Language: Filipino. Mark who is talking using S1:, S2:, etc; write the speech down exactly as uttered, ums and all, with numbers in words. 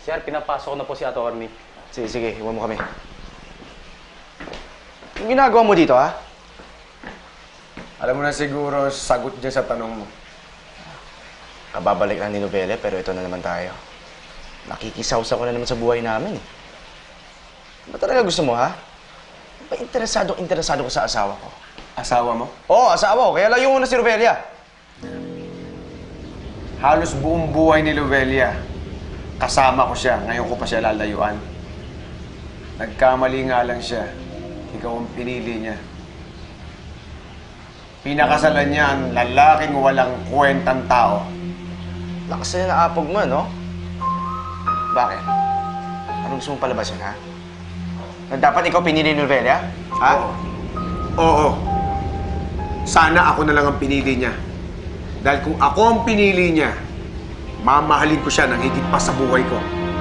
S1: Sir, pinapasok ko na po si Atty.
S2: Sige, sige. Iwan mo kami. Yung ginagawa mo dito, ha?
S3: Alam mo na siguro, sagot dyan sa tanong mo.
S2: Kababalik lang ni Nobele, pero ito na naman tayo. Nakikisawsaw ko na naman sa buhay namin, eh. Ba talaga gusto mo, ha? Ba interesado, interesado ko sa asawa ko?
S3: Asawa mo?
S2: Oo, asawa ko. Kaya layo mo na si Robelia.
S3: Halos buong buhay ni Lovelia. Kasama ko siya. Ngayon ko pa siya lalayuan. Nagkamali nga lang siya. Ikaw ang pinili niya. Pinakasalan niya ang lalaking walang kwentang tao.
S2: Lakas na naapog mo, no? Bakit? Anong gusto mong palabasin, ha? Na dapat ikaw pinili ni Robelia? Ha?
S3: Oo. Oo. Sana ako na lang ang pinili niya. Dahil kung ako ang pinili niya, mamahalin ko siya ng higit pa sa buhay ko.